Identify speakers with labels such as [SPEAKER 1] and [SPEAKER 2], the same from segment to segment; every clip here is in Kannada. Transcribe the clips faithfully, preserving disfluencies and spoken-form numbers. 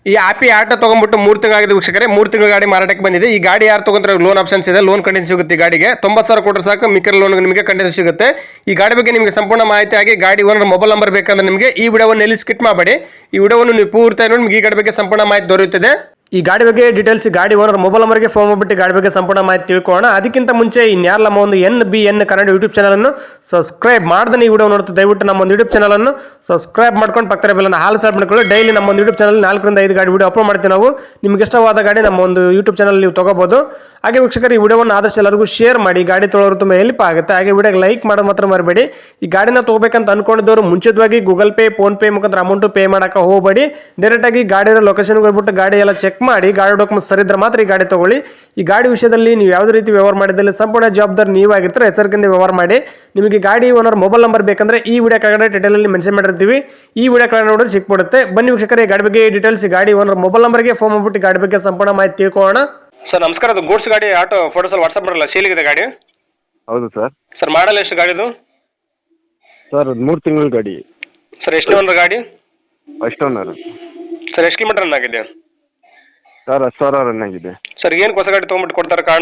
[SPEAKER 1] ಈ ಆಪಿ ಆಟೋ ತಗೊಂಡ್ಬಿಟ್ಟು ಮೂರು ತಿಂಗಳಾಗಿದೆ ವೀಕ್ಷಕರೇ. ಮೂರು ತಿಂಗಳ ಗಾಡಿ ಮಾರಾಟಕ್ಕೆ ಬಂದಿದೆ. ಈ ಗಾಡಿ ಯಾರು ತಗೊಂಡ್ರೆ ಲೋನ್ ಆಪ್ಷನ್ಸ್ ಇದೆ, ಲೋನ್ ಕಂಟಿನ್ಯೂ ಸಿಗುತ್ತೆ. ಈ ಗಾಡಿಗೆ ತೊಂಬತ್ತು ಸಾವಿರ ಕೊಟ್ಟರೆ ಸಾಕು, ಮಿಕ್ಕರ ಲೋನ್ ನಿಮಗೆ ಕಂಟಿನ್ಯೂ ಸಿಗುತ್ತೆ. ಈ ಗಾಡಿ ಬಗ್ಗೆ ನಿಮಗೆ ಸಂಪೂರ್ಣ ಮಾಹಿತಿ ಆಗಿ ಗಾಡಿ ಓನರ್ ಮೊಬೈಲ್ ನಂಬರ್ ಬೇಕಂದ್ರೆ ನಿಮಗೆ ಈ ವಿಡಿಯೋವನ್ನು ಎಲ್ಲಿ ಸ್ಕಿಪ್ ಮಾಡಬೇಡಿ. ಈ ವಿಡಿಯೋವನ್ನು ನೀವು ಪೂರ್ತಿ ನೋಡಿ ನಿಮಗೆ ಈ ಗಾಡಿ ಬಗ್ಗೆ ಸಂಪೂರ್ಣ ಮಾಹಿತಿ ದೊರೆಯುತ್ತದೆ. ಈ ಗಾಡಿ ಬಗ್ಗೆ ಡೀಟೇಲ್ಸ್ ಗಾಡಿ ಓನರ್ ಮೊಬೈಲ್ ನಂಬರ್ಗೆ ಫೋನ್ ಮಾಡಿಬಿಟ್ಟು ಗಾಡಿ ಬಗ್ಗೆ ಸಂಪೂರ್ಣ ಮಾಹಿತಿ ತಿಳ್ಕೊಳ್ಳೋಣ. ಅದಕ್ಕಿಂತ ಮುಂಚೆ ಇನ್ಯಾರು ನಮ್ಮ ಒಂದು N B N Kannada YouTube ಚಾನಲನ್ನು ಸಬ್ಸ್ಕ್ರೈಬ್ ಮಾಡ್ದೆ ಈ ವಿಡಿಯೋ ನೋಡ್ತಾ ದಯವಿಟ್ಟು ನಮ್ಮ ಒಂದು ಯೂಟ್ಯೂಬ್ ಚಾನಲನ್ನು ಸಬ್ಸ್ಕ್ರೈಬ್ ಮಾಡ್ಕೊಂಡು ಪಕ್ಕದ ಬೆಲ್ಲನ್ನು ಹಾಲು ಸಾರ್ ಮಾಡ್ಕೊಳ್ಳಿ. ಡೈಲಿ ನಮ್ಮ ಒಂದು ಯೂಟ್ಯೂಬ್ ಚಾನಲ್ ನಾಲ್ಕರಿಂದ ಐದು ಗಾಡಿ ವಿಡಿಯೋ ಅಪ್ಲೋಡ್ ಮಾಡ್ತೀವಿ ನಾವು. ನಿಮ್ಗೆ ಇಷ್ಟವಾದ ಗಾಡಿ ನಮ್ಮ ಒಂದು ಯೂಟ್ಯೂಬ್ ಚಾನಲ್ ನೀವು ತಗೋಬಹುದು. ಹಾಗೆ ವೀಕ್ಷಕರು ಈ ವಿಡಿಯೋವನ್ನು ಆದಷ್ಟು ಎಲ್ಲರಿಗೂ ಶೇರ್ ಮಾಡಿ, ಗಾಡಿ ತೊಗೊಳೋರು ತುಂಬ ಹೆಲ್ಪ್ ಆಗುತ್ತೆ. ಹಾಗೆ ವಿಡಿಯೋಗೆ ಲೈಕ್ ಮಾಡೋದು ಮಾತ್ರ ಮರಬೇಡಿ. ಈ ಗಾಡಿನ ತಗೋಬೇಕಂತ ಅನ್ಕೊಂಡಿದ್ದವರು ಮುಂಚಿತವಾಗಿ ಗೂಗಲ್ ಪೇ ಫೋನ್ ಪೇ ಮುಖಾಂತರ ಅಮೌಂಟ್ ಪೇ ಮಾಡೋಕೆ ಹೋಗಬೇಡಿ. ಡೈರೆಕ್ಟಾಗಿ ಗಾಡಿ ಲೊಕೇಶನ್ಗೆ ಹೋಗ್ಬಿಟ್ಟು ಗಾಡಿ ಎಲ್ಲ ಚೆಕ್ ಮಾಡಿ, ಗಾಡಿ ಡಾಕ್ಯುಮೆಂಟ್ಸ್ ಸರಿ ಇದ್ರೆ ಮಾತ್ರ ಈ ಗಾಡಿ ತಗೊಳ್ಳಿ. ಈ ಗಾಡಿ ವಿಷಯದಲ್ಲಿ ನೀವು ಯಾವುದೇ ರೀತಿ ವ್ಯವಹಾರ ಮಾಡಿದಲ್ಲಿ ಸಂಪೂರ್ಣ ಜವಾಬ್ದಾರಿ ನೀವಾಗಿರ್ತಾರೆ. ಎಚ್ಚರಿಕೆಯಿಂದ ವ್ಯವಹಾರ ಮಾಡಿ. ನಿಮಗೆ ಗಾಡಿ ಓನರ್ ಮೊಬೈಲ್ ನಂಬರ್ ಬೇಕಂದ್ರೆ ಈ ವಿಡಿಯೋ ಕೆಳಗಡೆ ಟೈಟಲಲ್ಲಿ ಮೆನ್ಷನ್ ಮಾಡಿರ್ತೀವಿ. ಈ ವಿಡಿಯೋ ಕೆಳಗಡೆ ನೋಡಿದ್ರೆ ಸಿಕ್ಬಿಡುತ್ತೆ. ಬನ್ನಿ ವೀಕ್ಷಕರೇ, ಗಾಡಿ ಬಗ್ಗೆ ಡೀಟೇಲ್ಸ್ ಗಾಡಿ ಓನರ್ ಮೊಬೈಲ್ ನಂಬರ್ಗೆ ಫೋನ್ ಮಾಡ್ಬಿಟ್ಟು ಗಾಡಿ ಬಗ್ಗೆ ಸಂಪೂರ್ಣ ಮಾಹಿತಿ ತಿಳ್ಕೊಳ್ಳೋಣ. ಸರ್ ನಮಸ್ಕಾರ. ಅದು ಗೂಡ್ಸ್ ಗಾಡಿ ಆಟೋ ಫೋಟೋಸ್ ಅಲ್ಲಿ ವಾಟ್ಸಪ್ ಮಾಡಲ್ಲ, ಸೇಲಿಗಿದೆ ಗಾಡಿ?
[SPEAKER 2] ಹೌದು ಸರ್.
[SPEAKER 1] ಸರ್ ಮಾಡಲ್ಲ ಎಷ್ಟು ಗಾಡಿದು?
[SPEAKER 2] ಸರ್ ಮೂರು ತಿಂಗಳ ಗಾಡಿ.
[SPEAKER 1] ಸರ್ ಎಷ್ಟು ಓನರ್ ಗಾಡಿ?
[SPEAKER 2] First owner.
[SPEAKER 1] ಸರ್ ಎಷ್ಟು ಕಿಲೋಮೀಟರ್ ರನ್ ಆಗಿದೆ?
[SPEAKER 2] ಸರ್ ಹತ್ತು ಸಾವಿರ ರನ್ ಆಗಿದೆ.
[SPEAKER 1] ಸರ್ ಏನು ಹೊಸ ಗಾಡಿ ತೊಗೊಂಬಿಟ್ಟು ಕೊಡ್ತಾರೆ ಕಾರಣ?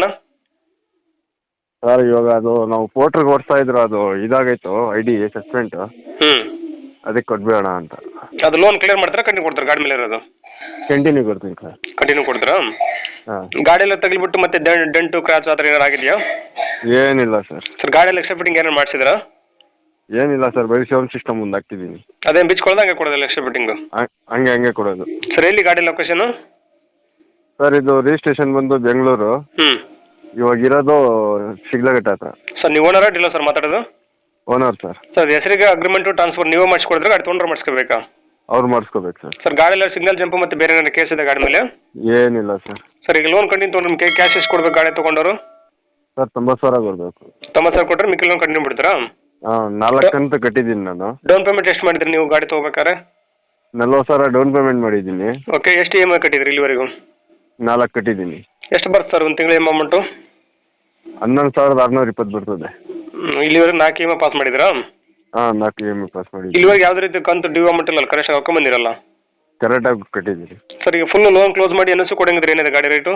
[SPEAKER 2] ಸರ್ ಇವಾಗ ಅದು ನಾವು ಪೋರ್ಟ್ರಿಗೆ ಓಡಿಸ್ತಾ ಇದ್ರು, ಅದು ಇದಾಗೈತು ಐ ಡಿ ಸಸ್ಪೆಂಟ್,
[SPEAKER 1] ಹ್ಞೂ
[SPEAKER 2] ಅದಕ್ಕೆ ಕೊಡ್ಬೇಡ ಅಂತ.
[SPEAKER 1] ಅದು ಲೋನ್ ಕ್ಲಿಯರ್ ಮಾಡ್ತಾರೆ, ಕಂಟಿನ್ಯೂ ಕೊಡ್ತಾರೆ ಗಾಡಿ ಮೇಲೆ ಇರೋದು?
[SPEAKER 2] ಕಂಟಿನ್ಯೂ ಕೊಡ್ತೀನಿ ಸರ್.
[SPEAKER 1] ಕಂಟಿನ್ಯೂ ಕೊಡ್ತೀರಾ?
[SPEAKER 2] ಹಾಂ.
[SPEAKER 1] ಗಾಡಿ ಎಲ್ಲ ತಗಲಿಬಿಟ್ಟು ಮತ್ತೆ ಡೆಂಟು ಕ್ರಾಚ್ ಆ ಥರ ಏನಾರು ಆಗಿದೆಯಾ?
[SPEAKER 2] ಏನಿಲ್ಲ ಸರ್.
[SPEAKER 1] ಸರ್ ಗಾಡಿ ಎಲ್ಲ ಎಕ್ಸ್ಟ್ರಾ ಫಿಟ್ಟಿಂಗ್ ಏನಾರು ಮಾಡಿಸಿದ್ರಾ?
[SPEAKER 2] ಏನಿಲ್ಲ ಸರ್, ಬರೀ ಸೌಂಡ್ ಸಿಸ್ಟಮ್ ಮುಂದೆ ಹಾಕ್ತಿದ್ದೀನಿ.
[SPEAKER 1] ಅದೇನು ಬಿಚ್ಕೊಳ್ದು ಹಂಗೆ ಕೊಡೋದಿಲ್ಲ ಎಕ್ಸ್ಟ್ರಾ ಫಿಟ್ಟಿಂಗು?
[SPEAKER 2] ಹಂಗೆ ಹಂಗೆ ಕೊಡೋದು.
[SPEAKER 1] ಸರ್ ಎಲ್ಲಿ ಗಾಡಿ ಲೊಕೇಶನು?
[SPEAKER 2] ಸರ್ ಇದು ರಿಜಿಸ್ಟ್ರೇಷನ್ ಬಂದು ಬೆಂಗಳೂರು.
[SPEAKER 1] ಹ್ಞೂ.
[SPEAKER 2] ಇವಾಗ ಇರೋದು ಶಿಗ್ಲಘಟ್ಟ ಹತ್ರ.
[SPEAKER 1] ಸರ್ ನೀವು ಓನರ ಡೀಲರ್ ಸರ್ ಮಾತಾಡೋದು?
[SPEAKER 2] Owner sir.
[SPEAKER 1] ಸರ್ ಹೆಸರಿಗೆ ಅಗ್ರಿಮೆಂಟು ಟ್ರಾನ್ಸ್ಫರ್ ನೀವೇ ಮಾಡಿಸ್ಕೊಡಿದ್ರೆ ಗಾಡಿ ತೊಗೊಂಡ್ರೆ ಮಾಡಿಸ್ಕೋಬೇಕಾ?
[SPEAKER 2] ಅವ್ರು ಮಾಡಿಸ್ಕೋಬೇಕು ಸರ್.
[SPEAKER 1] ಸರ್ ಗಾಡಿ ಎಲ್ಲ ಸಿಗ್ನಲ್ ಜಂಪು ಮತ್ತು ಬೇರೆ ಏನಾದ್ರು ಕೇಸ್ ಇದೆ ಗಾಡಿ ಮೇಲೆ?
[SPEAKER 2] ಏನಿಲ್ಲ ಸರ್.
[SPEAKER 1] ಸರ್ ಈಗ ಲೋನ್ ಕಂಟಿನ್ಯೂ ತೊಗೊಂಡ್ರೆ ನಿಮಗೆ ಕ್ಯಾಶ್ ಎಷ್ಟು ಕೊಡ್ಬೇಕು ಗಾಡಿ ತೊಗೊಂಡವರು?
[SPEAKER 2] ಸರ್ ತೊಂಬತ್ತು ಸಾವಿರ ಕೊಡಬೇಕು.
[SPEAKER 1] ತೊಂಬತ್ತು ಸಾವಿರ ಕೊಟ್ಟರೆ ಮಿಕ್ಕಿ ಲೋನ್ ಕಂಟಿನ್ಯೂ ಬಿಡ್ತೀರಾ?
[SPEAKER 2] ಹಾಂ, ನಾಲ್ಕು ಕಂತು ಕಟ್ಟಿದ್ದೀನಿ ನಾನು.
[SPEAKER 1] ಡೌನ್ ಪೇಮೆಂಟ್ ಎಷ್ಟು ಮಾಡಿದ್ರಿ ನೀವು ಗಾಡಿ ತೊಗೋಬೇಕಾರೆ?
[SPEAKER 2] ನಲ್ವತ್ತು ಸಾವಿರ ಡೌನ್ ಪೇಮೆಂಟ್ ಮಾಡಿದ್ದೀನಿ.
[SPEAKER 1] ಓಕೆ, ಎಷ್ಟು ಇ ಎಮ್ ಐ ಕಟ್ಟಿದ್ರಿ ಇಲ್ಲಿವರೆಗೂ?
[SPEAKER 2] ನಾಲ್ಕು ಕಟ್ಟಿದ್ದೀನಿ.
[SPEAKER 1] ಎಷ್ಟು ಬರುತ್ತೆ ಸರ್ ಒಂದು ತಿಂಗಳ ಇ ಎಮ್ ಅಮೌಂಟು?
[SPEAKER 2] ಹನ್ನೊಂದು ಸಾವಿರದ ಆರುನೂರ ಇಪ್ಪತ್ತು ಬರ್ತದೆ.
[SPEAKER 1] ಇಲ್ಲಿವರೆಗೂ ನಾಲ್ಕು ಇ ಎಮ್ ಐ ಪಾಸ್ ಮಾಡಿದ್ರಾ?
[SPEAKER 2] ಹಾಂ, ನಾಲ್ಕು ಇ ಎಮ್ ಐ ಪಾಸ್ ಮಾಡಿದ್ದೀನಿ.
[SPEAKER 1] ಇಲ್ಲಿವರೆಗೆ ಯಾವುದೇ ರೀತಿ ಕಂತು ಡ್ಯೂ ಅಮೌಂಟ್ ಇಲ್ಲ ಕರೆಕ್ಟಾಗಿ ಹಾಕೊಂಬಂದಿರಲ್ಲ?
[SPEAKER 2] ಕರೆಕ್ಟಾಗಿ ಕಟ್ಟಿದ್ದೀರಿ.
[SPEAKER 1] ಸರ್ ಈಗ ಫುಲ್ ಲೋನ್ ಕ್ಲೋಸ್ ಮಾಡಿ ಎನ್ ಎಸ್ ಕೊಡಂಗಿದ್ರೆ ಏನಿದೆ ಗಾಡಿ ರೇಟು?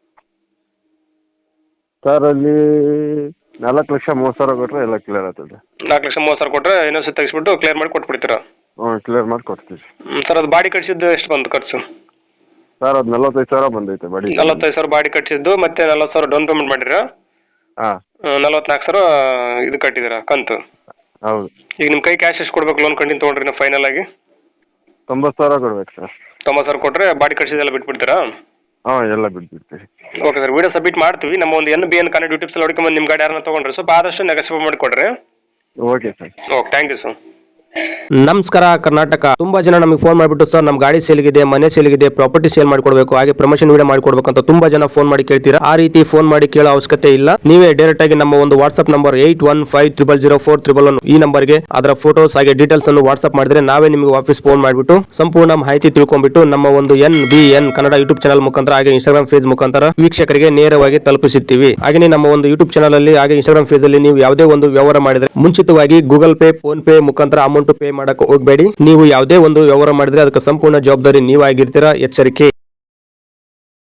[SPEAKER 2] ಸರ್ ಅಲ್ಲಿ ನಾಲ್ಕು ಲಕ್ಷ ಮೂವತ್ತು ಸಾವಿರ ಕೊಟ್ಟರೆ ಎಲ್ಲ ಕ್ಲಿಯರ್ ಆಗ್ತದೆ.
[SPEAKER 1] ನಾಲ್ಕು ಲಕ್ಷ ಮೂವತ್ತು ಸಾವಿರ ಕೊಟ್ಟರೆ ಎನ್ ಎಸ್ ತೆಗಿಸ್ಬಿಟ್ಟು ಕ್ಲಿಯರ್ ಮಾಡಿ ಕೊಟ್ಬಿಡ್ತೀರಾ?
[SPEAKER 2] ಹ್ಞೂ, ಕ್ಲಿಯರ್ ಮಾಡಿ ಕೊಡ್ತೀವಿ.
[SPEAKER 1] ಸರ್ ಅದು ಬಾಡಿ ಕಟ್ಸಿದ್ದು ಎಷ್ಟು ಬಂತು ಖರ್ಚು?
[SPEAKER 2] ಸರ್ ಅದು ನಲ್ವತ್ತೈದು ಸಾವಿರ ಬಂದೈತೆ ಬಾಡಿ.
[SPEAKER 1] ನಲ್ವತ್ತೈದು ಸಾವಿರ ಬಾಡಿ ಕಟ್ಸಿದ್ದು ಮತ್ತೆ ನಲ್ವತ್ತು ಸಾವಿರ ಡೌನ್ ಪೇಮೆಂಟ್ ಮಾಡಿರಾ?
[SPEAKER 2] ಹಾಂ.
[SPEAKER 1] ನಲ್ವತ್ನಾಲ್ಕು ಸಾವಿರ ಇದು ಕಟ್ಟಿದ್ದೀರಾ ಕಂತು?
[SPEAKER 2] ಹೌದು.
[SPEAKER 1] ಈಗ ನಿಮ್ಮ ಕೈ ಕ್ಯಾಶ್ ಎಷ್ಟು ಕೊಡ್ಬೇಕು ಲೋನ್ ಕಂಟಿನ್ಯೂ ತೊಗೊಂಡ್ರಿ ನೀವು ಫೈನಲ್ ಆಗಿ?
[SPEAKER 2] ತೊಂಬತ್ತು ಸಾವಿರ ಕೊಡ್ಬೇಕು ಸರ್.
[SPEAKER 1] ತೊಂಬತ್ತು ಸಾವಿರ ಕೊಟ್ಟರೆ ಬಾಡಿ ಕಟ್ಸಿದ್ದೆಲ್ಲ ಬಿಟ್ಬಿಡ್ತೀರಾ?
[SPEAKER 2] ಹಾಂ, ಎಲ್ಲ ಬಿಟ್ಬಿಡ್ತೀವಿ.
[SPEAKER 1] ಓಕೆ ಸರ್, ವಿಡಿಯೋ ಸಬ್ಮಿಟ್ ಮಾಡ್ತೀವಿ. ನಮ್ಮ ಒಂದು N B N Kannada YouTube ಸಲ ಹುಡುಕೊಂಬಂದು ನಿಮ್ಮ ಗಾಡಿ ಯಾರನ್ನ ತೊಗೊಂಡ್ರೆ ಸ್ವಲ್ಪ ಆದಷ್ಟು ನೆಗೋಸಿಯೇಟ್ ಮಾಡಿಕೊಡ್ರಿ.
[SPEAKER 2] Okay sir.
[SPEAKER 1] Okay, thank you sir.
[SPEAKER 3] ನಮಸ್ಕಾರ ಕರ್ನಾಟಕ. ತುಂಬಾ ಜನ ನಮಗೆ ಫೋನ್ ಮಾಡಿಬಿಟ್ಟು ಸರ್ ನಮ್ಮ ಗಾಡಿ ಸೇಲ್ಗಿದೆ, ಮನೆ ಸೇಲ್ಗಿದೆ, ಪ್ರಾಪರ್ಟಿ ಸೇಲ್ ಮಾಡಿಕೊಡ್ಬೇಕು, ಹಾಗೆ ಪ್ರಮೋಷನ್ ವಿಡಿಯೋ ಮಾಡಿಕೊಡ್ಬೇಕು ಅಂತ ತುಂಬಾ ಜನ ಫೋನ್ ಮಾಡಿ ಕೇಳ್ತೀರಾ. ಆ ರೀತಿ ಫೋನ್ ಮಾಡಿ ಕೇಳೋ ಅವಶ್ಯಕತೆ ಇಲ್ಲ. ನೀವೇ ಡೈರೆಕ್ಟ್ ಆಗಿ ನಮ್ಮ ಒಂದು WhatsApp number eight one five triple zero four triple one ಈ ನಂಬರ್ಗೆ ಅದರ ಫೋಟೋಸ್ ಹಾಗೆ ಡೀಟೇಲ್ಸ್ ಅನ್ನು ವಾಟ್ಸ್ಆಪ್ ಮಾಡಿದ್ರೆ ನಾವೇ ನಿಮಗೆ ವಾಪಸ್ ಫೋನ್ ಮಾಡಿಬಿಟ್ಟು ಸಂಪೂರ್ಣ ಮಾಹಿತಿ ತಿಳ್ಕೊಂಡ್ಬಿಟ್ಟು ನಮ್ಮ ಒಂದು N B N Kannada YouTube channel ಮುಖಾಂತರ ಹಾಗೆ ಇನ್ಸ್ಟಾಗ್ರಾಮ್ ಪೇಜ್ ಮುಖಾಂತರ ವೀಕ್ಷಕರಿಗೆ ನೇರವಾಗಿ ತಲುಪಿಸುತ್ತೀವಿ. ಹಾಗೆ ನಮ್ಮ ಒಂದು ಯೂಟ್ಯೂಬ್ ಚಾನಲ್ ಅಲ್ಲಿ ಹಾಗೆ ಇನ್ಸ್ಟಾಗ್ರಾಮ್ ಪೇಜ್ ಅಲ್ಲಿ ನೀವು ಯಾವುದೇ ಒಂದು ವ್ಯವಹಾರ ಮಾಡಿದ್ರೆ ಮುಂಚಿತವಾಗಿ ಗೂಗಲ್ ಪೇ ಫೋನ್ ಪೇ ಮುಖಾಂತರ ಅಮೌಂಟ್ ಪೇ ಮಾಡಕ್ಕೆ ಹೋಗಬೇಡಿ. ನೀವು ಯಾವುದೇ ಒಂದು ವ್ಯವಹಾರ ಮಾಡಿದ್ರೆ ಅದಕ್ಕೆ ಸಂಪೂರ್ಣ ಜವಾಬ್ದಾರಿ ನೀವಾಗಿರ್ತೀರಾ. ಎಚ್ಚರಿಕೆ.